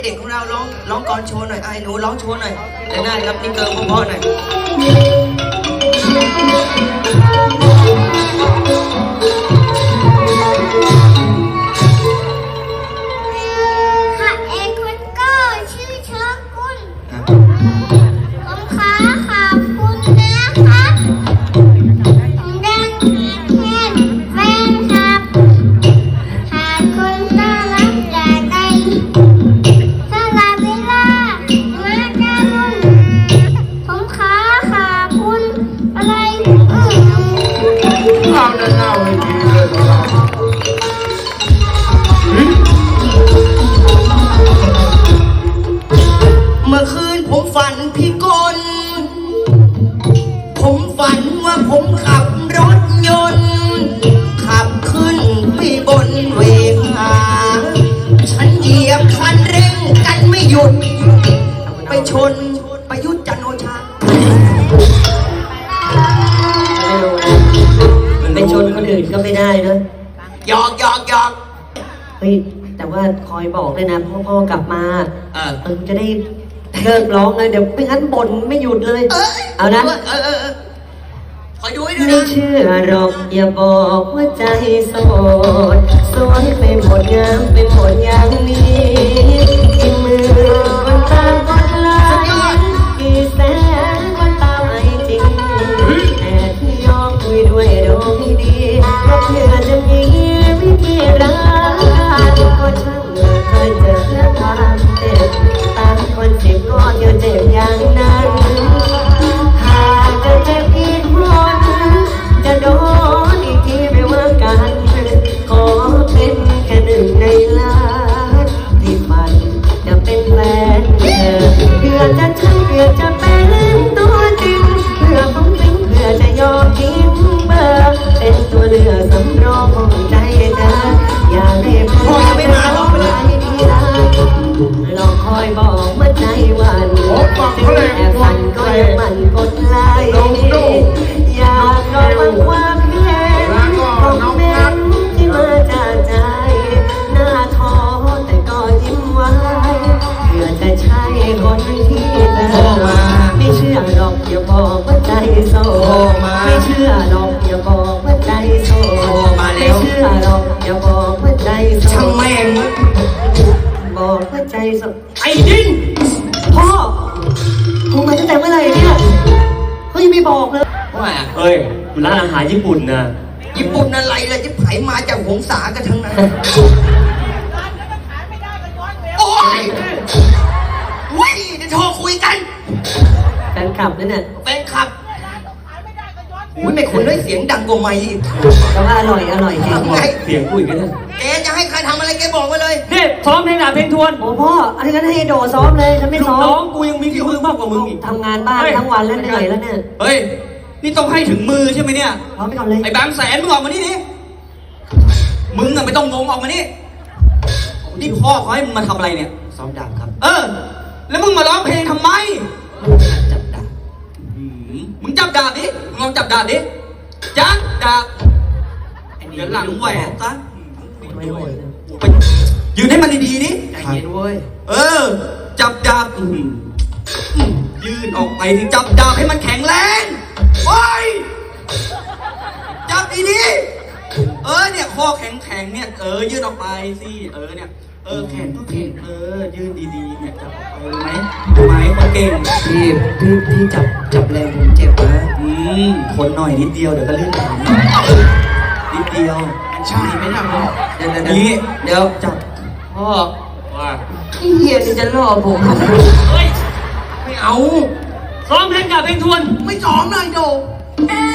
เด็กของเราร้องก่อนโชว์หน่อยไอ้หนูร้องโชว์หน่อยแต่หน้าครับนี่เกิร์ลพ่อหน่อยค่ะเอกคุณก็ชื่อเชิญคุณผมขอขอบคุณนะคะผมดังแทนแฟนคลับหากคุณน่ารักจากใจสลับเวลามากันผมขอขอบคุณอะไรเราจะเล่าให้ดีเลยเมื่อคืนผมฝันพี่กลผมฝันว่าผมขับรถยนต์ขับขึ้นไปบนเวหาฉันเหยียบคันเร่งกันไม่หยุดไปชนประยุทธ์จันทร์โอชาไปชนคนอื่นก็ไม่ได้นะหยอกเฮ้ยแต่ว่าคอยบอกด้วยนะพ่อกลับมาจะได้เลิกร้องเลยเดี๋ยวไม่งั้นบ่นไม่หยุดเลยเอานะคอยดูให้ด้วยไม่นะเชื่อหรอกอย่าบอกว่าใจโสดสวยไปหมดงามไปหมดอย่างนี้กี่มือคนตามคนลายกี่แสนคนตามไอจริงแต่ที่ยอมคุยด้วยดูไม่ดีเพราะเพื่อจะมีวิธีรักก็ช่างเคยเจอความเจ็บตามคนสิบก็เดียวเจ็บอย่างนั้นหากจะเจ็บอีกคนจะโดนอีกทีไม่ว่ากันขอเป็นแค่หนึ่งในล้านที่ฝันจะเป็นแฟนเธอเพื่อจะใช่เพื่อจะเป็นตัวจริงเพื่อผมจริงเพื่อจะยอมทิ้งเบอร์เป็นตัวเลือกสำรองของใจเธออย่าได้พ่ออย่าไปมาร้องไปเลยดีนะลองคอยบอกเมื่อใจวันแอบฝันก็ยังมันกดไลค์อยากลองความเพียรของแม่ที่มาจากใจหน้าท้อแต่ก็ยิ้มไว้เพื่อจะใช่คนที่เธอไม่เชื่อหรอกอย่าบอกว่าใจโสดไม่เชื่อหรอกอย่าบอกว่าใจโสดไม่เชื่อหรอกอย่าบอกว่าใจโสดช่างแม่งบอกว่าใจโสดไอ้ดินพ่อคงมาตั้งแต่เมื่อไหร่เนี่ยเขายังไม่บอกเลยว่าเฮ้ยมันร้านอาหารญี่ปุ่นนะญี่ปุ่นอะไรเลยที่ไผมาจากหงสากันทั้งนั้นโอ้ยวิ่งเดี๋ยวโทรคุยกันแฟนคลับนั่นน่ะแฟนคลับอุ้ยไม่คนด้วยเสียงดังกว่าไม่อีกแต่ว่าอร่อยจริงทำไงเสียงกูอีกแล้วแกจะให้ใครทำอะไรแกบอกมาเลยนี่ซ้อมเพลงหนาเพลงทวนโอ้พ่ออันนี้ก็ให้โดซ้อมเลยฉันไม่ซ้อน้อมงกูยังมีฝีมือมากกว่ามึงอีกทำงานบ้านทั้งวันแล้วเหนื่อยแล้วเนี่ยเฮ้ยนี่ต้องให้ถึงมือใช่ไหมเนี่ยพร้อมไปก่อนเลยไอ้บางแสนมึงออกมานี่ดิมึงอะไม่ต้องงงออกมานี่นี่พ่อเขาให้มึงมาทำอะไรเนี่ยซ้อมดาบครับแล้วมึงมาร้องเพลงทำไมจับดาบมึงจับดาบดิมึงลองจับดาบดิจับดาบเดี๋ยวหลังแหวกซะไม่ไหวเลยไปยืนให้มันดีๆดิใจเย็นเว้ยจับดาบยืนออกไปถึงจับดาบให้มันแข็งแรงโอ้ยจับดีๆเนี่ยข้อแข็งๆเนี่ยยืนออกไปสิเนี่ยแขนก็แข็งยืนดีๆเนี่ยจับออกไปรู้ไหมคนเก่งพี่จับแรงผมเจ็บนะทนหน่อยนิดเดียวเดี๋ยวก็ลื่นหลังนิดเดียวใช่ไหมล่ะเดี๋ยวเดี๋ยวจับพ่อว่าพี่เฮียนี่จะล่อผมเฮ้ยไม่เอาซ้อมเพลงกับเพลงทวนไม่ซ้อมเลยโด